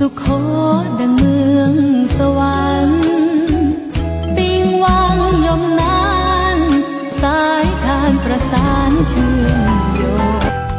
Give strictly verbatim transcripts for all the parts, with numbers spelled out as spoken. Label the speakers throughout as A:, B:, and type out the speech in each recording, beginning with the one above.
A: สุขโขดังเมืองสวรรค์ปิงวังยมนานสายทานประสานเชื่อมโยง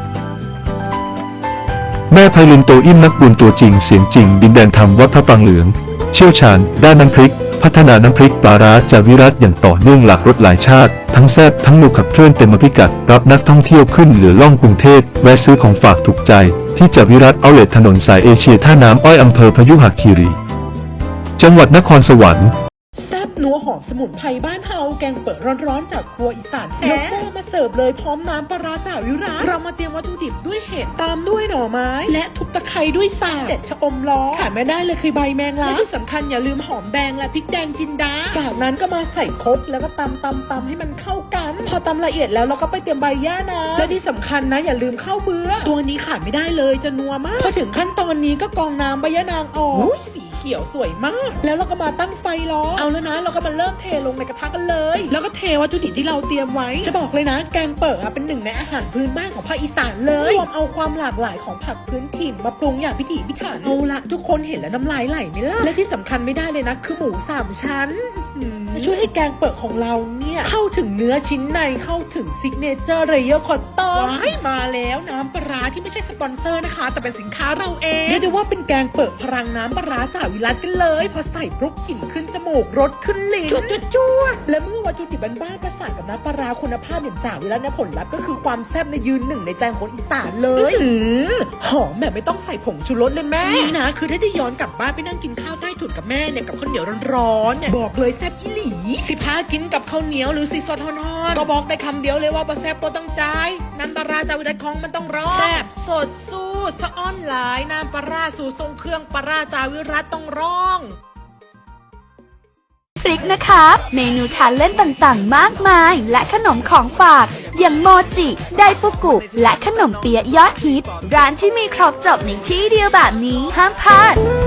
B: แม่ไพลินโตอิ่มนักบุญตัวจริงเสียงจริงดินแดนธรรมวัดพระปรางเหลืองเชี่ยวชาญด้านน้ำพริกพัฒนาน้ำพริกปลาร้าจากวิรัตอย่างต่อเนื่องหลากรสหลายชาติทั้งแซ่บทั้งนุกขับเคลื่อนเต็มพิกัดรับนักท่องเที่ยวขึ้นเหลือล่องกรุงเทพแวะซื้อของฝากถูกใจที่จากวิรัตเอาท์เลทถนนสายเอเชียท่าน้ำอ้อยอำเภอพยุหคีรีจังหวัดนครสวรรค์
C: แซ่บนัวหอมสมุนไพรบ้านเฮาแกงเปิดร้อนๆจากครัวอีสานแท้ยกหม้อมาเสิร์ฟเลยพร้อมน้ำปลาร้าจากวิรัตเรามาเตรียมวัตถุดิบด้วยเห็ดตามด้วยหน่อไม้และทุบตะไคร้ด้วยสาบเด็ดชะอมล้อขาดไม่ได้เลยคือใบแมงลักและที่สำคัญอย่าลืมหอมแดงและพริกแดงจินดาจากนั้นก็มาใส่ครกแล้วก็ตำตำตำให้มันเข้ากันพอตำละเอียดแล้วเราก็ไปเตรียมใบย่านางและที่สำคัญนะอย่าลืมข้าวเบื่อตัวนี้ขาดไม่ได้เลยจะนัวมากพอถึงขั้นตอนนี้ก็กรองน้ำใบย่านางออกสีเขียวสวยมากแล้วเราก็มาตั้งไฟรอเอาแล้วนะเราก็มาเริ่มเทลงในกระทะกันเลยแล้วก็เทวัตถุดิบที่เราเตรียมไว้จะบอกเลยนะแกงเปิดเป็นหนึ่งในอาหารพื้นบ้านของภาคอีสานเลยรวมเอาความหลากหลายของผักพื้นถิ่นมาปรุงอย่างพิถีพิถันเอาละทุกคนเห็นแล้วน้ำลายไหลไหมล่ะและที่สำคัญไม่ได้เลยนะคือหมูสามชั้นช่วยให้แกงเปิดของเราเนี่ยเข้าถึงเนื้อชิ้นในเข้าถึงซิกเนเจอร์เรเยอร์คอตตอนว้ายมาแล้วน้ำปลาที่ไม่ใช่สปอนเซอร์นะคะแต่เป็นสินค้าเราเองเรียกได้ว่าเป็นแกงเปิดพลังน้ำปลาจากวิรัตกันเลยพอใส่ปุ๊บกลิ่นขึ้นจมูกรสขึ้นลิ้นจุดจุดจุดและเมื่อวัตถุดิบบ้านๆประสานกับน้ำปลาคุณภาพอย่างจากวิรัตเนี่ยผลลัพธ์ก็คือความแซ่บในยืนหนึ่งในใจคนอีสานเลยหอมแบบไม่ต้องใส่ผงชูรสเลยแม่นี่นะคือถ้าได้ย้อนกลับบ้านไปนั่งกินข้าวใต้ถุนกับแม่เนี่ยกับข้าวเหนียวร้อนๆเนี่ยบอกเลยแซ่บอีหลีสิพากินกับข้าวเหนียวหรือซีซอสทอนๆก็บอกได้คำเดียวเลยว่าบ่แซ่บบ่ต้องจ่ายน้ำปลาร้าจากวิรัตของมันต้องร้อนแซ่บสดสู้สะอ้อนหลายน้ำปลาร้าสู่ทรงเครื่องปลาร้าจากวิรัตต้องร้อง
D: พริกนะคะเมนูทานเล่นต่างๆมากมายและขนมของฝากอย่างโมจิไดฟุกุและขนมเปี๊ยะยอดฮิตร้านที่มีครบจบในที่เดียวแบบนี้ห้ามพลาด